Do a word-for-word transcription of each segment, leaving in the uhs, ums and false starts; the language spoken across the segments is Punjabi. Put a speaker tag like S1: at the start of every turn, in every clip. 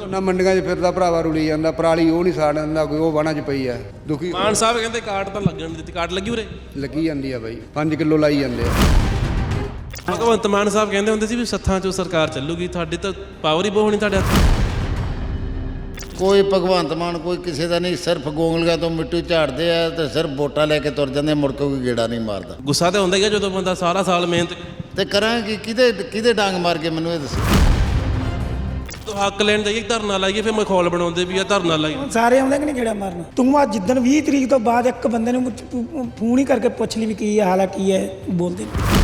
S1: ਨਾ ਮੰਡੀਆਂ 'ਚ ਫਿਰਦਾ ਭਰਾਵਾ ਰੁਲੀ ਜਾਂਦਾ, ਪਰਾਲੀ ਉਹ ਨਹੀਂ ਸਾੜ ਦਿੰਦਾ, ਕੋਈ ਉਹ ਵਾਹਣਾ 'ਚ ਪਈ ਆ ਦੁਖੀ।
S2: ਮਾਨ ਸਾਹਿਬ ਕਹਿੰਦੇ ਕਾਰਡ ਤਾਂ ਲੱਗਣ ਨਹੀਂ ਦਿੱਤੀ, ਕਾਰਡ ਲੱਗੀ ਉਰੇ
S1: ਲੱਗੀ ਜਾਂਦੀ ਆ ਬਾਈ, ਪੰਜ ਕਿਲੋ ਲਾਈ ਜਾਂਦੇ ਆ।
S2: ਭਗਵੰਤ ਮਾਨ ਸਾਹਿਬ ਕਹਿੰਦੇ ਹੁੰਦੇ ਸੀ ਵੀ ਸੱਥਾਂ 'ਚੋਂ ਸਰਕਾਰ ਚੱਲੂਗੀ, ਤੁਹਾਡੀ ਤਾਂ ਪਾਵਰ ਹੀ ਬਹੁਤ ਹੋਣੀ ਤੁਹਾਡੇ ਹੱਥ।
S3: ਕੋਈ ਭਗਵੰਤ ਮਾਨ ਕੋਈ ਕਿਸੇ ਦਾ ਨਹੀਂ, ਸਿਰਫ ਗੋਂਗਲੀਆਂ ਤੋਂ ਮਿੱਟੀ ਝਾੜਦੇ ਆ ਤੇ ਸਿਰਫ ਵੋਟਾਂ ਲੈ ਕੇ ਤੁਰ ਜਾਂਦੇ, ਮੁੜ ਕੇ ਕੋਈ ਗੇੜਾ ਨਹੀਂ ਮਾਰਦਾ।
S2: ਗੁੱਸਾ ਤਾਂ ਹੁੰਦਾ ਹੀ ਆ ਜਦੋਂ ਬੰਦਾ ਸਾਰਾ ਸਾਲ ਮਿਹਨਤ
S3: ਤੇ ਕਰਾਂਗੇ ਕਿਹਦੇ ਕਿਹਦੇ ਡਾਂਗ ਮਾਰ ਕੇ, ਮੈਨੂੰ ਇਹ ਦੱਸੋ।
S2: ਤੋਂ ਹੱਕ ਲੈਣ ਜਾਈਏ ਧਰਨਾ ਲਾਈਏ, ਫਿਰ ਮਖੌਲ ਬਣਾਉਂਦੇ ਵੀ ਆ ਧਰਨਾ ਲਾਈਏ।
S4: ਸਾਰੇ ਆਉਂਦੇ ਕਿ ਨਹੀਂ ਗੇੜਾ ਮਾਰਨ। ਤੂੰ ਆ ਜਿੱਦਣ ਵੀਹ ਤਰੀਕ ਤੋਂ ਬਾਅਦ ਇੱਕ ਬੰਦੇ ਨੂੰ ਫੋਨ ਹੀ ਕਰਕੇ ਪੁੱਛ ਲਈ ਵੀ ਕੀ ਹਾਲ ਹੈ ਕੀ ਹੈ, ਬੋਲਦੇ ਨਹੀਂ।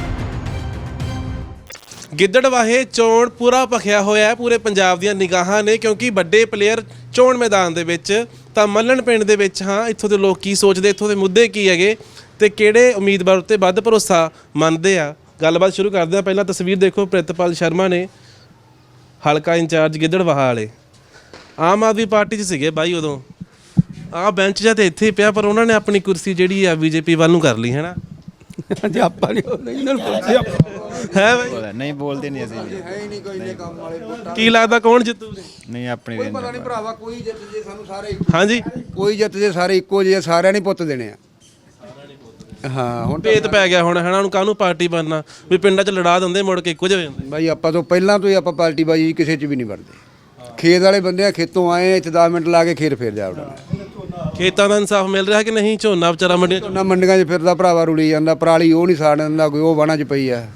S2: ਗਿੱਦੜਵਾਹੇ ਚੋਣ ਪੂਰਾ ਭਖਿਆ ਹੋਇਆ ਹੈ, ਪੂਰੇ ਪੰਜਾਬ ਦੀਆਂ ਨਿਗਾਹਾਂ ਨੇ, ਕਿਉਂਕਿ ਵੱਡੇ ਪਲੇਅਰ ਚੋਣ ਮੈਦਾਨ ਦੇ ਵਿੱਚ। ਤਾਂ ਮੱਲਣ ਪਿੰਡ ਦੇ ਵਿੱਚ ਹਾਂ, ਇੱਥੋਂ ਦੇ ਲੋਕ ਕੀ ਸੋਚਦੇ, ਇੱਥੋਂ ਦੇ ਮੁੱਦੇ ਕੀ ਹੈਗੇ ਤੇ ਕਿਹੜੇ ਉਮੀਦਵਾਰ ਉੱਤੇ ਵੱਧ ਭਰੋਸਾ ਮੰਨਦੇ ਆ। ਗੱਲਬਾਤ ਸ਼ੁਰੂ ਕਰਦੇ ਆ। ਪਹਿਲਾਂ ਤਸਵੀਰ ਦੇਖੋ, ਪ੍ਰਿਤਪਾਲ ਸ਼ਰਮਾ ਨੇ, ਹਲਕਾ ਇੰਚਾਰਜ ਗਿੱਦੜਵਾਹਾ ਵਾਲੇ, ਆਮ ਆਦਮੀ ਪਾਰਟੀ 'ਚ ਸੀਗੇ ਬਾਈ ਉਦੋਂ। ਆਹ ਬੈਂਚ ਜਾਂ ਤੇ ਇੱਥੇ ਹੀ ਪਿਆ, ਪਰ ਉਹਨਾਂ ਨੇ ਆਪਣੀ ਕੁਰਸੀ ਜਿਹੜੀ ਆ ਬੀਜੇਪੀ ਵੱਲ ਨੂੰ ਕਰ ਲਈ, ਹੈ ਨਾ।
S4: ਜੇ ਆਪਾਂ ਨਹੀਂ ਇਹਨਾਂ ਨੂੰ ਪੁੱਛਿਆ
S2: ਹੈ ਬਾਈ,
S5: ਨਹੀਂ ਬੋਲਦੇ ਨਹੀਂ ਅਸੀਂ
S1: ਹੈ ਹੀ ਨਹੀਂ ਕੋਈ ਨੇ ਕੰਮ ਵਾਲੇ ਪੁੱਟਾਂ।
S2: ਕੀ ਲੱਗਦਾ ਕੌਣ ਜਿੱਤੂ?
S5: ਨਹੀਂ ਆਪਣੀ
S1: ਕੋਈ ਪਤਾ ਨਹੀਂ ਭਰਾਵਾ, ਕੋਈ ਜਿੱਤ ਜੇ ਸਾਨੂੰ ਸਾਰੇ
S2: ਹਾਂਜੀ,
S1: ਕੋਈ ਜਿੱਤ ਜੇ ਸਾਰੇ ਇੱਕੋ ਜਿਹੇ, ਸਾਰਿਆਂ ਨੇ ਪੁੱਤ ਦੇਣੇ ਆ। ਹਾਂ ਹੁਣ
S2: ਭੇਤ ਪੈ ਗਿਆ ਹੁਣ, ਹੈਨਾ। ਹੁਣ ਕਾਹਨੂੰ ਪਾਰਟੀ ਬਣਨਾ, ਵੀ ਪਿੰਡਾਂ 'ਚ ਲੜਾ ਦਿੰਦੇ, ਮੁੜ ਕੇ ਇੱਕੋ ਜਿਹੇ ਹੁੰਦੇ।
S1: ਬਾਈ ਆਪਾਂ ਤੋਂ ਪਹਿਲਾਂ ਤੋਂ ਹੀ ਆਪਾਂ ਪਾਰਟੀ ਬਾਜੀ ਕਿਸੇ 'ਚ ਵੀ ਨਹੀਂ ਵੜਦੇ। ਖੇਤ ਵਾਲੇ ਬੰਦੇ ਆ, ਖੇਤੋਂ ਆਏ ਆ, ਇੱਥੇ ਦਸ ਮਿੰਟ ਲਾ ਕੇ ਖੇਤ ਫੇਰ ਜਾ ਵੜਨਾ।
S2: ਖੇਤਾਂ ਦਾ ਇਨਸਾਫ ਮਿਲ ਰਿਹਾ ਕਿ ਨਹੀਂ? ਝੋਨਾ ਵਿਚਾਰਾ ਮੰਡੀਆਂ 'ਚ
S1: ਨਾ ਮੰਡੀਆਂ 'ਚ ਫਿਰਦਾ ਭਰਾਵਾ ਰੁਲੀ ਜਾਂਦਾ, ਪਰਾਲੀ ਉਹ ਨਹੀਂ ਸਾੜ ਦਿੰਦਾ, ਕੋਈ ਉਹ ਵਾਹਣਾ 'ਚ ਪਈ ਆ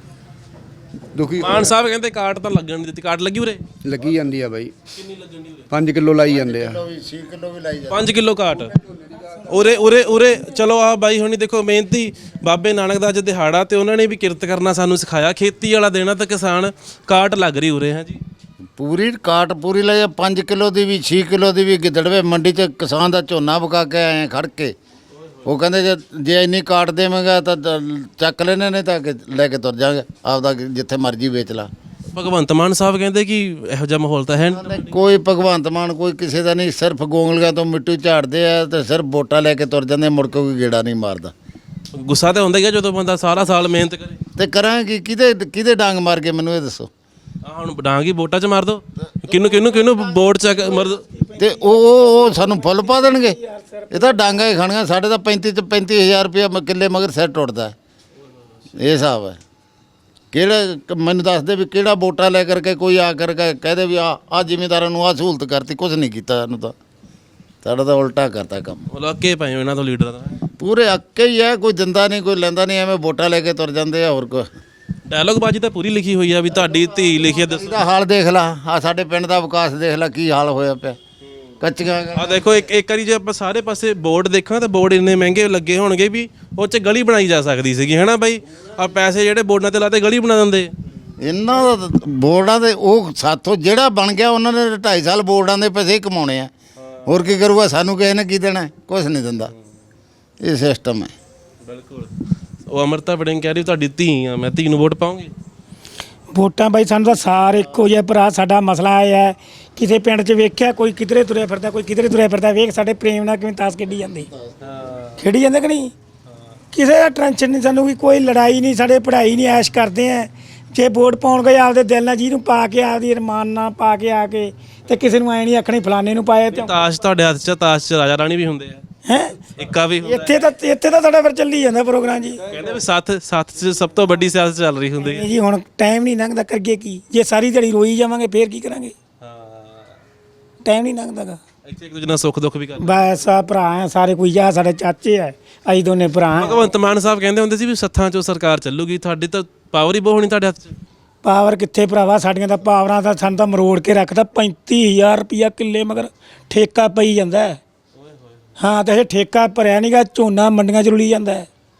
S1: ਦੁਖੀ।
S2: ਮਾਨ ਸਾਹਿਬ ਕਹਿੰਦੇ ਕਾਰਡ ਤਾਂ ਲੱਗਣ ਨਹੀਂ ਦਿੱਤੀ, ਕਾਰਡ ਲੱਗੀ ਉਰੇ
S1: ਲੱਗੀ ਜਾਂਦੀ ਆ ਬਾਈ,
S2: ਕਿੰਨੀ ਲੱਗਣ ਦੀ ਉਰੇ?
S1: ਪੰਜ ਕਿਲੋ ਲਾਈ ਜਾਂਦੇ ਆ।
S3: ਛੇ ਕਿਲੋ ਵੀ ਲਾਈ
S2: ਪੰਜ ਕਿਲੋ ਕਾਟ ਉਰੇ ਉਰੇ ਉਰੇ। ਚਲੋ ਆ ਬਾਈ ਹੁਣੀ ਦੇਖੋ, ਮਿਹਨਤੀ ਬਾਬੇ ਨਾਨਕ ਦਾ ਅੱਜ ਦਿਹਾੜਾ, ਤੇ ਉਹਨਾਂ ਨੇ ਵੀ ਕਿਰਤ ਕਰਨਾ ਸਾਨੂੰ ਸਿਖਾਇਆ। ਖੇਤੀ ਵਾਲਾ ਦੇਣਾ ਤਾਂ ਕਿਸਾਨ, ਕਾਟ ਲੱਗ ਰਹੀ ਉਰੇ ਹੈ ਜੀ।
S3: ਪੂਰੀ ਕਾਟ ਪੂਰੀ ਲਈ ਪੰਜ ਕਿਲੋ ਦੀ ਵੀ, ਛੇ ਕਿਲੋ ਦੀ ਵੀ। ਗਿੱਦੜਵੇ ਮੰਡੀ 'ਚ ਕਿਸਾਨ ਦਾ ਝੋਨਾ ਵਿਕਾ ਕੇ ਆਏ ਖੜ ਕੇ, ਉਹ ਕਹਿੰਦੇ ਜੇ ਜੇ ਇੰਨੀ ਕਾਟ ਦੇਵਾਂਗਾ ਤਾਂ ਚੱਕ ਲੈਣੇ ਨੇ, ਤਾਂ ਲੈ ਕੇ ਤੁਰ ਜਾਗੇ ਆਪਦਾ, ਜਿੱਥੇ ਮਰਜ਼ੀ ਵੇਚ ਲਾ।
S2: ਭਗਵੰਤ ਮਾਨ ਸਾਹਿਬ ਕਹਿੰਦੇ ਕਿ ਇਹੋ ਜਿਹਾ ਮਾਹੌਲ ਤਾਂ ਹੈ ਨਹੀਂ।
S3: ਕੋਈ ਭਗਵੰਤ ਮਾਨ ਕੋਈ ਕਿਸੇ ਦਾ ਨਹੀਂ, ਸਿਰਫ ਗੋਂਗਲੀਆਂ ਤੋਂ ਮਿੱਟੀ ਝਾੜਦੇ ਆ ਤੇ ਸਿਰਫ ਵੋਟਾਂ ਲੈ ਕੇ ਤੁਰ ਜਾਂਦੇ, ਮੁੜ ਕੇ ਕੋਈ ਗੇੜਾ ਨਹੀਂ ਮਾਰਦਾ।
S2: ਗੁੱਸਾ ਤਾਂ ਹੁੰਦਾ ਹੀ ਆ ਜਦੋਂ ਬੰਦਾ ਸਾਰਾ ਸਾਲ ਮਿਹਨਤ ਕਰੇ।
S3: ਤੇ ਕਰਾਂਗੇ ਕਿਹਦੇ ਕਿਹਦੇ ਡਾਂਗ ਮਾਰ ਕੇ, ਮੈਨੂੰ ਇਹ ਦੱਸੋ।
S2: ਆ ਹੁਣ ਡਾਂਗੀ ਵੋਟਾਂ 'ਚ ਮਾਰ ਦੋ, ਕਿਹਨੂੰ ਕਿਹਨੂੰ ਕਿਹਨੂੰ ਵੋਟ 'ਚ ਮਾਰ ਦੋ।
S3: ਤੇ ਉਹ ਉਹ ਸਾਨੂੰ ਫੁੱਲ ਪਾ ਦੇਣਗੇ। ਇਹ ਤਾਂ ਡਾਂਗਾ ਹੀ ਖਾਣੀਆਂ। ਸਾਡੇ ਤਾਂ ਪੈਂਤੀ ਚ ਪੈਂਤੀ ਹਜ਼ਾਰ ਰੁਪਇਆ ਕਿੱਲੇ ਮਗਰ ਸਿਰ ਟੁੱਟਦਾ। ਇਹ ਹਿਸਾਬ ਹੈ। ਕਿਹੜਾ ਮੈਨੂੰ ਦੱਸ ਦੇ ਵੀ ਕਿਹੜਾ ਵੋਟਾਂ ਲੈ ਕਰਕੇ ਕੋਈ ਆ ਕਰਕੇ ਕਹਦੇ ਵੀ ਆ ਆ ਜ਼ਿਮੀਂਦਾਰਾਂ ਨੂੰ ਆ ਸਹੂਲਤ ਕਰਤੀ, ਕੁਝ ਨਹੀਂ ਕੀਤਾ ਇਹਨੂੰ। ਤਾਂ ਸਾਡਾ ਤਾਂ ਉਲਟਾ ਕਰਤਾ ਕੰਮ।
S2: ਉਹ ਅੱਕੇ ਪਏ ਹੋ ਇਹਨਾਂ ਤੋਂ ਲੀਡਰਾਂ ਦਾ,
S3: ਪੂਰੇ ਅੱਕੇ ਹੀ ਹੈ। ਕੋਈ ਦਿੰਦਾ ਨਹੀਂ, ਕੋਈ ਲੈਂਦਾ ਨਹੀਂ, ਐਵੇਂ ਵੋਟਾਂ ਲੈ ਕੇ ਤੁਰ ਜਾਂਦੇ ਆ। ਹੋਰ ਕੋਈ
S2: ਡਾਇਲੋਗ ਬਾਜੀ ਤਾਂ ਪੂਰੀ ਲਿਖੀ ਹੋਈ ਆ ਵੀ ਤੁਹਾਡੀ ਧੀ ਲਿਖੀ ਆ। ਦੱਸੋ
S3: ਇਹਦਾ ਹਾਲ ਦੇਖ ਲਾ, ਆ ਸਾਡੇ ਪਿੰਡ ਦਾ ਵਿਕਾਸ ਦੇਖ ਲਾ ਕੀ ਹਾਲ ਹੋਇਆ ਪਿਆ। ਕੱਚੀਆਂ
S2: ਆ ਦੇਖੋ, ਇੱਕ ਇੱਕ ਵਾਰੀ ਜੇ ਆਪਾਂ ਸਾਰੇ ਪਾਸੇ ਬੋਰਡ ਦੇਖਾਂ ਤਾਂ ਬੋਰਡ ਇੰਨੇ ਮਹਿੰਗੇ ਲੱਗੇ ਹੋਣਗੇ ਵੀ ਉਹ 'ਚ ਗਲੀ ਬਣਾਈ ਜਾ ਸਕਦੀ ਸੀਗੀ, ਹੈ ਨਾ ਬਾਈ। ਆ ਪੈਸੇ ਜਿਹੜੇ ਬੋਰਡਾਂ ਤੇ ਲਾਤੇ ਗਲੀ ਬਣਾ ਦਿੰਦੇ।
S3: ਇਹਨਾਂ ਦਾ ਬੋਰਡਾਂ ਦੇ ਉਹ ਸਾਥੋਂ ਜਿਹੜਾ ਬਣ ਗਿਆ, ਉਹਨਾਂ ਨੇ ਢਾਈ ਸਾਲ ਬੋਰਡਾਂ ਦੇ ਪੈਸੇ ਹੀ ਕਮਾਉਣੇ ਆ। ਹੋਰ ਕੀ ਕਰੂਗਾ? ਸਾਨੂੰ ਕਿਸੇ ਨੇ ਕੀ ਦੇਣਾ? ਕੁਛ ਨਹੀਂ ਦਿੰਦਾ। ਇਹ ਸਿਸਟਮ ਹੈ।
S2: ਬਿਲਕੁਲ। ਉਹ ਅਮਰਤਾ ਵੜਿੰਗ ਕਹਿ ਰਹੀ ਤੁਹਾਡੀ ਧੀ ਆ, ਮੈਂ ਧੀ ਨੂੰ ਵੋਟ ਪਾਉਂਗੀ।
S4: ਵੋਟਾਂ ਬਾਈ ਸਾਨੂੰ ਤਾਂ ਸਾਰੇ ਇੱਕੋ ਜਿਹੇ ਭਰਾ। ਸਾਡਾ ਮਸਲਾ ਇਹ ਹੈ, ਕਿਸੇ ਪਿੰਡ 'ਚ ਵੇਖਿਆ ਕੋਈ ਕਿਧਰੇ ਤੁਰਿਆ ਫਿਰਦਾ, ਕੋਈ ਕਿਧਰੇ ਤੁਰਿਆ ਫਿਰਦਾ, ਵੇਖ ਸਾਡੇ ਪ੍ਰੇਮ ਨਾਲ ਕਿਵੇਂ ਤਾਸ਼ ਖੇਡੀ ਜਾਂਦੀ, ਖੇਡੀ ਜਾਂਦੇ ਕਿ ਨਹੀਂ। ਕਿਸੇ ਦਾ ਟੈਨਸ਼ਨ ਨਹੀਂ ਸਾਨੂੰ, ਵੀ ਕੋਈ ਲੜਾਈ ਨਹੀਂ, ਸਾਡੇ ਪੜ੍ਹਾਈ ਨਹੀਂ, ਐਸ਼ ਕਰਦੇ ਆ। ਜੇ ਵੋਟ ਪਾਉਣ ਗਏ ਆਪਦੇ ਦਿਲ ਨਾਲ ਜਿਹਨੂੰ ਪਾ ਕੇ, ਆਪਦੀ ਅਰਮਾਨ ਨਾਲ ਪਾ ਕੇ ਆ ਕੇ, ਤੇ ਕਿਸੇ ਨੂੰ ਐ ਨਹੀਂ ਆਖਣੀ ਫਲਾਣੇ ਨੂੰ ਪਾਇਆ। ਤੇ
S2: ਤਾਸ਼ ਤੁਹਾਡੇ ਹੱਥ 'ਚ, ਤਾਸ਼ 'ਚ ਰਾਜਾ ਰਾਣੀ ਵੀ ਹੁੰਦੇ ਆ,
S4: ਹੈ
S2: ਇੱਕਾ ਵੀ ਹੁੰਦਾ।
S4: ਇੱਥੇ ਤਾਂ ਇੱਥੇ ਤਾਂ ਸਾਡਾ ਫਿਰ ਚੱਲੀ ਜਾਂਦਾ ਪ੍ਰੋਗਰਾਮ ਜੀ।
S2: ਕਹਿੰਦੇ ਵੀ ਸੱਤ ਸੱਤ 'ਚ ਸਭ ਤੋਂ ਵੱਡੀ ਸਿਆਸਤ ਚੱਲ ਰਹੀ ਹੁੰਦੀ ਹੈ
S4: ਜੀ। ਹੁਣ ਟਾਈਮ ਨਹੀਂ ਲੰਘਦਾ, ਕਰੀਏ ਕੀ? ਜੇ ਸਾਰੀ ਦਿਹਾੜੀ ਰੋਈ ਜਾਵਾਂਗੇ ਫੇਰ ਕੀ ਕਰਾਂਗੇ? ਟਾਈਮ ਨਹੀਂ ਲੰਘਦਾਗਾ।
S2: ਇੱਥੇ ਇੱਕ ਦੂਜੇ ਨਾਲ ਸੁੱਖ ਦੁੱਖ ਵੀ ਕਰਦੇ।
S4: ਬਸ ਆ ਭਰਾ ਆ ਸਾਰੇ, ਕੋਈ ਆ ਸਾਡੇ ਚਾਚੇ ਆ, ਅਸੀਂ ਦੋਨੇ ਭਰਾ।
S2: ਭਗਵੰਤ ਮਾਨ ਸਾਹਿਬ ਕਹਿੰਦੇ ਹੁੰਦੇ ਸੀ ਵੀ ਸੱਥਾਂ 'ਚੋਂ ਸਰਕਾਰ ਚੱਲੂਗੀ, ਤੁਹਾਡੀ ਤਾਂ ਪਾਵਰ ਹੀ ਬਹੁਤ ਹੋਣੀ ਤੁਹਾਡੇ ਹੱਥ 'ਚ।
S4: ਪਾਵਰ ਕਿੱਥੇ ਭਰਾਵਾ, ਸਾਡੀਆਂ ਤਾਂ ਪਾਵਰਾਂ ਦਾ ਸਾਨੂੰ ਤਾਂ ਮਰੋੜ ਕੇ ਰੱਖਦਾ। ਪੈਂਤੀ ਹਜ਼ਾਰ ਰੁਪਈਆ ਕਿੱਲੇ ਮਗਰ ਠੇਕਾ ਪਈ ਜਾਂਦਾ। ਹਾਂ, ਤੇ ਇਹ ਠੇਕਾ ਭਰਿਆ ਨਹੀਂਗਾ, ਝੋਨਾ ਮੰਡੀਆਂ 'ਚ ਰੁਲੀ ਜਾਂਦਾ।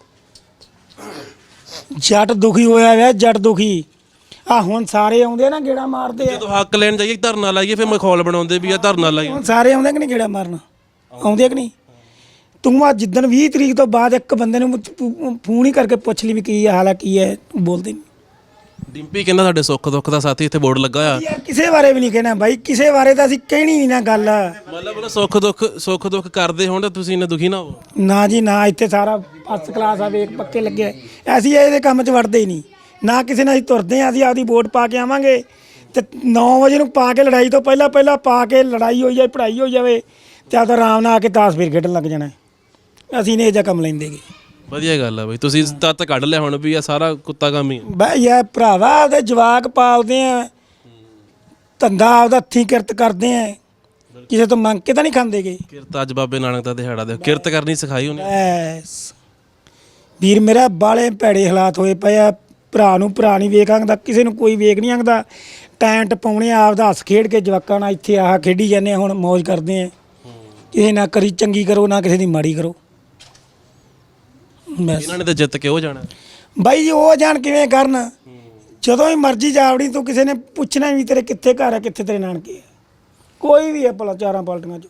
S4: ਜੱਟ ਦੁਖੀ ਹੋਇਆ ਹੋਇਆ, ਜੱਟ ਦੁਖੀ। ਆ ਹੁਣ ਸਾਰੇ ਆਉਂਦੇ ਨਾ ਗੇੜਾ ਮਾਰਦੇ ਆ।
S2: ਜਦੋਂ ਹੱਕ ਲੈਣ ਜਾਈਏ ਧਰਨਾ ਲਾਈਏ, ਫਿਰ ਮਖੌਲ ਬਣਾਉਂਦੇ ਵੀ ਆ ਧਰਨਾ ਲਾਈਏ।
S4: ਹੁਣ ਸਾਰੇ ਆਉਂਦੇ ਕਿ ਨਹੀਂ ਗੇੜਾ ਮਾਰਨ? ਆਉਂਦੇ ਕਿ ਨਹੀਂ? ਤੂੰ ਆ ਜਿੱਦਣ ਵੀਹ ਤਰੀਕ ਤੋਂ ਬਾਅਦ ਇੱਕ ਬੰਦੇ ਨੂੰ ਫੋਨ ਹੀ ਕਰਕੇ ਪੁੱਛ ਲਈ ਵੀ ਕੀ ਹਾਲ ਹੈ ਕੀ ਹੈ, ਬੋਲਦੇ ਨਹੀਂ।
S2: ਡਿੰਪੀ ਕਹਿੰਦਾ ਸਾਡੇ ਸੁੱਖ ਦੁੱਖ ਦਾ ਸਾਥੀ, ਇੱਥੇ ਬੋਰਡ ਲੱਗਾ ਹੋਇਆ।
S4: ਯਾਰ ਕਿਸੇ ਬਾਰੇ ਵੀ ਨਹੀਂ ਕਹਿਣਾ ਬਾਈ, ਕਿਸੇ ਬਾਰੇ ਤਾਂ ਅਸੀਂ ਕਹਿਣੀ ਨਹੀਂ ਨਾ ਗੱਲ।
S2: ਮਤਲਬ ਸੁੱਖ ਦੁੱਖ ਸੁੱਖ ਦੁੱਖ ਕਰਦੇ ਹੋਣ ਤਾਂ ਤੁਸੀਂ ਇੰਨੇ ਦੁਖੀ ਨਾ ਹੋ।
S4: ਨਾ ਜੀ ਨਾ, ਇੱਥੇ ਸਾਰਾ ਫਸਟ ਕਲਾਸ ਆ, ਵੇਖ ਪੱਕੇ ਲੱਗੇ। ਅਸੀਂ ਇਹਦੇ ਕੰਮ 'ਚ ਵੜਦੇ ਹੀ ਨਹੀਂ, ਨਾ ਕਿਸੇ ਨਾਲ ਅਸੀਂ ਤੁਰਦੇ ਹਾਂ। ਅਸੀਂ ਆਪਦੀ ਵੋਟ ਪਾ ਕੇ ਆਵਾਂਗੇ ਤੇ ਨੌ ਵਜੇ ਨੂੰ ਪਾ ਕੇ ਲੜਾਈ ਤੋਂ ਪਹਿਲਾਂ ਪਹਿਲਾਂ ਪਾ ਕੇ ਲੜਾਈ ਹੋਈ ਜਾਏ ਪੜ੍ਹਾਈ ਹੋਈ ਜਾਵੇ ਤੇ ਆਪਦਾ ਆਰਾਮ ਨਾਲ ਆ ਕੇ ਤਾਸ਼ ਫੇਰ ਖੇਡਣ ਲੱਗ ਜਾਣਾ। ਅਸੀਂ ਨੇ ਇਹ ਜਿਹਾ ਕੰਮ ਲੈਂਦੇਗੇ।
S2: ਵਧੀਆ ਗੱਲ ਆ ਬਈ, ਤੁਸੀਂ ਤੱਤ ਕੱਢ ਲਿਆ ਹੁਣ ਵੀ ਆ ਸਾਰਾ ਕੁੱਤਾ ਕੰਮ ਹੀ ਆ।
S4: ਬਈ ਯਾਰ ਭਰਾਵਾ ਆਪਦੇ ਜਵਾਕ ਪਾਲਦੇ ਆ, ਧੰਦਾ ਆਪਦਾ ਹੱਥੀਂ ਕਿਰਤ ਕਰਦੇ ਆ, ਕਿਸੇ ਤੋਂ ਮੰਗ ਕੇ ਤਾਂ ਨਹੀਂ ਖਾਂਦੇਗੇ।
S2: ਕਿਰਤ ਅੱਜ ਬਾਬੇ ਨਾਨਕ ਦਾ ਦਿਹਾੜਾ ਦੇ ਕਿਰਤ ਕਰਨੀ ਸਿਖਾਈ ਉਹਨੇ।
S4: ਐਸ ਵੀਰ ਮੇਰਾ ਬਾਲੇ ਭੈੜੇ ਹਾਲਾਤ ਹੋਏ ਪਏ ਆ। ਭਰਾ ਨੂੰ ਭਰਾ ਨਹੀਂ ਵੇਖ ਆਂਦਾ, ਕਿਸੇ ਨੂੰ ਕੋਈ ਵੇਖ ਨਹੀਂ ਆਂਦਾ। ਟੈਂਟ ਪਾਉਣੇ ਆਪਦਾ ਹੱਸ ਖੇਡ ਕੇ ਜਵਾਕਾਂ ਨਾਲ ਇੱਥੇ ਆਹ ਖੇਡੀ ਜਾਂਦੇ ਹੁਣ ਮौज ਕਰਦੇ ਆ। ਕਿਸੇ ਨਾ ਕਰੀ ਚੰਗੀ ਕਰੋ ਨਾ ਕਿਸੇ ਦੀ ਮਾੜੀ ਕਰੋ। ਬਸ
S2: ਇਹਨਾਂ ਨੇ ਤਾਂ ਜਿੱਤ ਕੇ ਉਹ ਜਾਣਾ।
S4: ਬਾਈ ਜੀ ਉਹ ਜਾਣ ਕਿਵੇਂ ਕਰਨ, ਜਦੋਂ ਹੀ ਮਰਜ਼ੀ ਜਾਵੜੀ ਤੂੰ ਕਿਸੇ ਨੇ ਪੁੱਛਣਾ ਵੀ ਤੇਰੇ ਕਿੱਥੇ ਘਰ ਆ ਕਿੱਥੇ ਤੇਰੇ ਨਾਨਕੇ ਆ। ਕੋਈ ਵੀ ਹੈ ਭਲਾ ਚਾਰਾਂ ਪਾਲਟੀਆਂ 'ਚ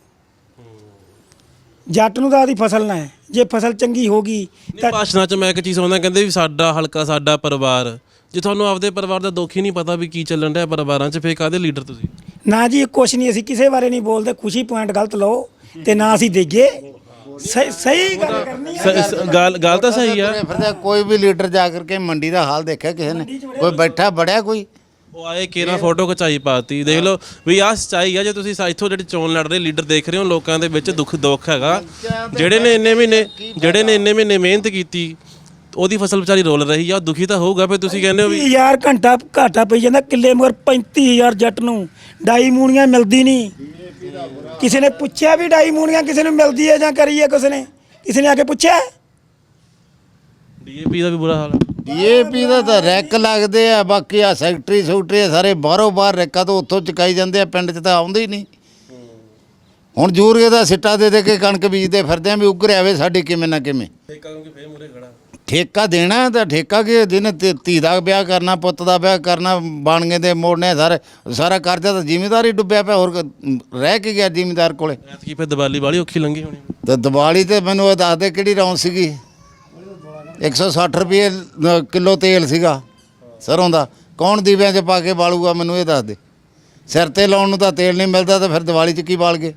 S4: ਜੱਟ ਨੂੰ ਤਾਂ ਆਦੀ ਫਸਲ ਨਾ ਹੈ। ਜੇ ਫਸਲ ਚੰਗੀ ਹੋ ਗਈ
S2: ਨਹੀਂ ਭਾਸ਼ਣਾਂ 'ਚ ਮੈਂ ਇੱਕ ਚੀਜ਼ ਸੁਣਦਾ, ਕਹਿੰਦੇ ਵੀ ਸਾਡਾ ਹਲਕਾ ਸਾਡਾ ਪਰਿਵਾਰ। ਜੇ ਤੁਹਾਨੂੰ ਆਪਦੇ ਪਰਿਵਾਰ ਦਾ ਦੁੱਖ ਹੀ ਨਹੀਂ ਪਤਾ ਵੀ ਕੀ ਚੱਲਣ ਡਿਆ ਪਰਿਵਾਰਾਂ 'ਚ, ਫੇਰ ਕਾਹਦੇ ਲੀਡਰ ਤੁਸੀਂ?
S4: ਨਾ ਜੀ ਕੁਛ ਨਹੀਂ, ਅਸੀਂ ਕਿਸੇ ਬਾਰੇ ਨਹੀਂ ਬੋਲਦੇ। ਖੁਸ਼ੀ ਪੁਆਇੰਟ ਗਲਤ ਲਓ ਤੇ ਨਾ ਅਸੀਂ ਦੇਈਏ। ਸਹੀ ਸਹੀ ਗੱਲ ਕਰਨੀ ਹੈ।
S2: ਸ- ਸ- ਗੱਲ ਗੱਲ ਤਾਂ ਸਹੀ ਆ।
S3: ਫਿਰਦਾ ਕੋਈ ਵੀ ਲੀਡਰ ਜਾ ਕਰਕੇ ਮੰਡੀ ਦਾ ਹਾਲ ਦੇਖਿਆ ਕਿਸੇ ਨੇ? ਕੋਈ ਬੈਠਾ ਬੜਿਆ ਕੋਈ?
S2: ਉਹ ਆਏ ਕੇਰਾ ਫੋਟੋ ਖਿਚਾਈ ਪਾਤੀ, ਦੇਖ ਲਓ ਵੀ ਆਹ ਸੱਚਾਈ ਆ। ਜੇ ਤੁਸੀਂ ਸਾ- ਇੱਥੋਂ ਜਿਹੜੇ ਚੋਣ ਲੜ ਰਹੇ ਲੀਡਰ ਦੇਖ ਰਹੇ ਹੋ, ਲੋਕਾਂ ਦੇ ਵਿੱਚ ਦੁੱਖ ਦੁੱਖ ਹੈਗਾ। ਜਿਹੜੇ ਨੇ ਇੰਨੇ ਮਹੀਨੇ ਜਿਹੜੇ ਨੇ ਇੰਨੇ ਮਹੀਨੇ ਮਿਹਨਤ ਕੀਤੀ, ਉਹਦੀ ਫਸਲ ਵਿਚਾਰੀ ਰੋਲ ਰਹੀ ਆ, ਉਹ ਦੁਖੀ ਤਾਂ ਹੋਊਗਾ। ਫਿਰ ਤੁਸੀਂ ਕਹਿੰਦੇ ਹੋ ਵੀ
S4: ਯਾਰ ਘੰਟਾ ਘਾਟਾ ਪਈ ਜਾਂਦਾ ਕਿੱਲੇ ਮਗਰ ਪੈਂਤੀ ਹਜ਼ਾਰ ਜੱਟ ਨੂੰ। ਡਾਈ ਮੂਣੀਆਂ ਮਿਲਦੀ ਨਹੀਂ। ਕਿਸੇ ਨੇ ਪੁੱਛਿਆ ਵੀ ਡਾਈ ਮੂਣੀਆਂ ਕਿਸੇ ਨੂੰ ਮਿਲਦੀ ਹੈ ਜਾਂ ਕਰੀ ਹੈ? ਕਿਸੇ ਨੇ ਕਿਸੇ ਨੇ ਆ ਕੇ ਪੁੱਛਿਆ?
S2: ਡੀਏਪੀ ਦਾ ਵੀ ਬੁਰਾ ਹਾਲ ਆ।
S3: ਡੀਏਪੀ ਦਾ ਤਾਂ ਰੈਕ ਲੱਗਦੇ ਆ। ਬਾਕੀ ਆ ਸੈਕਟਰੀ ਸੂਟਰੀ ਸਾਰੇ ਬਾਹਰੋਂ ਬਾਹਰ ਰੈਕਾਂ ਤੋਂ ਉੱਥੋਂ ਚੁਕਾਈ ਜਾਂਦੇ ਆ, ਪਿੰਡ 'ਚ ਤਾਂ ਆਉਂਦੇ ਹੀ ਨਹੀਂ। ਹੁਣ ਯੂਰੀਏ ਦਾ ਸਿੱਟਾ ਦੇ ਦੇ ਕੇ ਕਣਕ ਬੀਜਦੇ ਫਿਰਦੇ ਆ ਵੀ ਉੱਗਰ ਆਵੇ ਸਾਡੀ ਕਿਵੇਂ ਨਾ ਕਿਵੇਂ। ਠੇਕਾ ਦੇਣਾ ਤਾਂ ਠੇਕਾ ਕਿ ਜਿਹਨੇ ਧੀ- ਧੀ ਦਾ ਵਿਆਹ ਕਰਨਾ, ਪੁੱਤ ਦਾ ਵਿਆਹ ਕਰਨਾ, ਬਾਣਗੇ ਦੇ ਮੋੜਨੇ ਸਾਰੇ, ਸਾਰਾ ਕਰਜ਼ਾ ਤਾਂ ਜ਼ਿਮੀਂਦਾਰ ਹੀ ਡੁੱਬਿਆ ਪਿਆ। ਹੋਰ ਕ- ਰਹਿ ਕੇ ਗਿਆ ਜ਼ਿਮੀਂਦਾਰ ਕੋਲੇ।
S2: ਐਤਕੀ ਫਿਰ ਦੀਵਾਲੀ ਵਾਲੀ ਔਖੀ ਲੰਘੀ ਹੋਣੀ।
S3: ਤੇ ਦੀਵਾਲੀ ਤੇ ਮੈਨੂੰ ਉਹ ਦੱਸ ਦੇ ਕਿਹੜੀ ਰੌਣ ਸੀਗੀ? ਇੱਕ ਸੌ ਸੱਠ ਰੁਪਏ ਅ, ਕਿਲੋ ਤੇਲ ਸੀਗਾ ਸਰੋਂ ਦਾ। ਕੌਣ ਦੀਵਿਆਂ 'ਚ ਪਾ ਕੇ ਬਾਲੂਗਾ ਮੈਨੂੰ ਇਹ ਦੱਸ ਦੇ। ਸਿਰ ਤੇ ਲਾਉਣ ਨੂੰ ਤਾਂ ਤੇਲ ਨਹੀਂ ਮਿਲਦਾ, ਤਾਂ ਫਿਰ ਦੀਵਾਲੀ 'ਚ ਕੀ ਬਾਲ ਗਏ?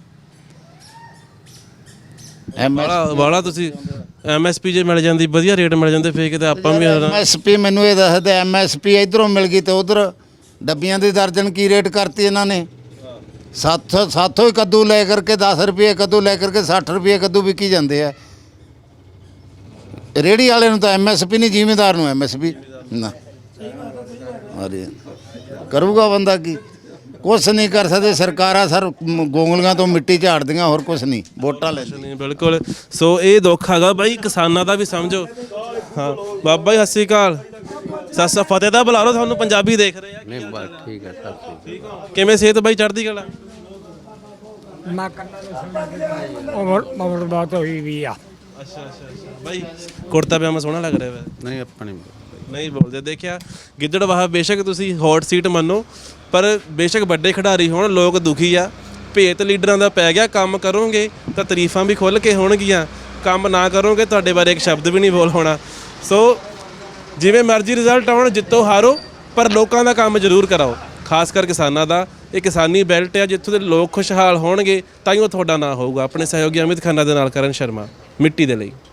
S2: ਵਾਲਾ ਵਾਲਾ ਤੁਸੀਂ ਐਮਐਸਪੀ ਜੇ ਮਿਲ ਜਾਂਦੀ, ਵਧੀਆ ਰੇਟ ਮਿਲ ਜਾਂਦੇ, ਫੇਰ ਕਿਤੇ ਆਪਾਂ ਵੀ
S3: ਐਮਐਸਪੀ ਮੈਨੂੰ ਇਹ ਦੱਸ ਦੇ। ਐਮਐਸਪੀ ਇਧਰੋਂ ਮਿਲ ਗਈ ਤੇ ਉਧਰ ਡੱਬੀਆਂ ਦੀ ਦਰਜਨ ਕੀ ਰੇਟ ਕਰਤੀ ਇਹਨਾਂ ਨੇ? ਸੱਤ ਸਾਥੋਂ ਹੀ ਕੱਦੂ ਲੈ ਕਰਕੇ ਦਸ ਰੁਪਏ ਕੱਦੂ ਲੈ ਕਰਕੇ ਸੱਠ ਰੁਪਏ ਕੱਦੂ ਵਿਕੀ ਜਾਂਦੇ ਆ। ਰੇੜੀ ਵਾਲੇ ਨੂੰ ਤਾਂ ਐਮਐਸਪੀ ਨਹੀਂ, ਜ਼ਿਮੀਂਦਾਰ ਨੂੰ ਐਮਐਸਪੀ ਨਾ। ਅਰੇ ਕਰੂਗਾ ਬੰਦਾ ਕੀ? ਕੁਛ ਨਹੀਂ ਕਰ ਸਕਦੇ। ਸਰਕਾਰਾਂ ਸਰ ਗੋਂਗਲੀਆਂ ਤੋਂ ਮਿੱਟੀ ਝਾੜਦੀਆਂ, ਹੋਰ ਕੁਛ ਨਹੀਂ। ਵੋਟਾਂ ਲੈ
S2: ਨਹੀਂ। ਬਿਲਕੁਲ। ਸੋ ਇਹ ਦੁੱਖ ਹੈਗਾ ਬਾਈ ਕਿਸਾਨਾਂ ਦਾ ਵੀ, ਸਮਝੋ। ਹਾਂ ਬਾਬਾ ਜੀ ਸਤਿ ਸ਼੍ਰੀ ਅਕਾਲ। ਸਤਿ ਸ੍ਰੀ ਫਤਿਹ ਦਾ ਬੁਲਾ ਲਓ, ਤੁਹਾਨੂੰ ਪੰਜਾਬੀ ਦੇਖ ਰਹੇ ਆ।
S1: ਨਹੀਂ ਬਸ ਠੀਕ ਹੈ ਸਭ ਠੀਕ।
S2: ਕਿਵੇਂ ਸਿਹਤ ਬਾਈ? ਚੜ੍ਹਦੀ ਕਲਾ।
S4: ਉਮਰ ਉਮਰ ਬਾਤ ਹੋਈ ਵੀ ਆ।
S2: ਅੱਛਾ ਅੱਛਾ ਅੱਛਾ ਬਾਈ ਕੁੜਤਾ ਪਜਾਮਾ ਸੋਹਣਾ ਲੱਗ ਰਿਹਾ ਵਾ।
S1: ਨਹੀਂ ਆਪਾਂ ਨਹੀਂ
S2: ਨਹੀਂ ਬੋਲਦੇ। ਦੇਖਿਆ ਗਿੱਦੜਬਾਹਾ ਬੇਸ਼ੱਕ ਤੁਸੀਂ ਹੌਟ ਸੀਟ ਮੰਨੋ, ਪਰ ਬੇਸ਼ੱਕ ਵੱਡੇ ਖਿਡਾਰੀ ਹੋਣ, ਲੋਕ ਦੁਖੀ ਆ। ਭੇਤ ਲੀਡਰਾਂ ਦਾ ਪੈ ਗਿਆ। ਕੰਮ ਕਰੋਗੇ ਤਾਂ ਤਾਰੀਫਾਂ ਵੀ ਖੁੱਲ੍ਹ ਕੇ ਹੋਣਗੀਆਂ, ਕੰਮ ਨਾ ਕਰੋਗੇ ਤੁਹਾਡੇ ਬਾਰੇ ਇੱਕ ਸ਼ਬਦ ਵੀ ਨਹੀਂ ਬੋਲ ਹੋਣਾ। ਸੋ ਜਿਵੇਂ ਮਰਜ਼ੀ ਰਿਜ਼ਲਟ ਆਉਣ, ਜਿੱਤੋ ਹਾਰੋ, ਪਰ ਲੋਕਾਂ ਦਾ ਕੰਮ ਜ਼ਰੂਰ ਕਰਾਓ, ਖਾਸ ਕਰ ਕਿਸਾਨਾਂ ਦਾ। ਇਹ ਕਿਸਾਨੀ ਬੈਲਟ ਆ, ਜਿੱਥੋਂ ਦੇ ਲੋਕ ਖੁਸ਼ਹਾਲ ਹੋਣਗੇ ਤਾਂ ਹੀ ਉਹ ਤੁਹਾਡਾ ਨਾਂ ਹੋਊਗਾ। ਆਪਣੇ ਸਹਿਯੋਗੀ ਅਮਿਤ ਖੰਨਾ ਦੇ ਨਾਲ ਕਰਨ ਸ਼ਰਮਾ, ਮਿੱਟੀ ਦੇ ਲਈ।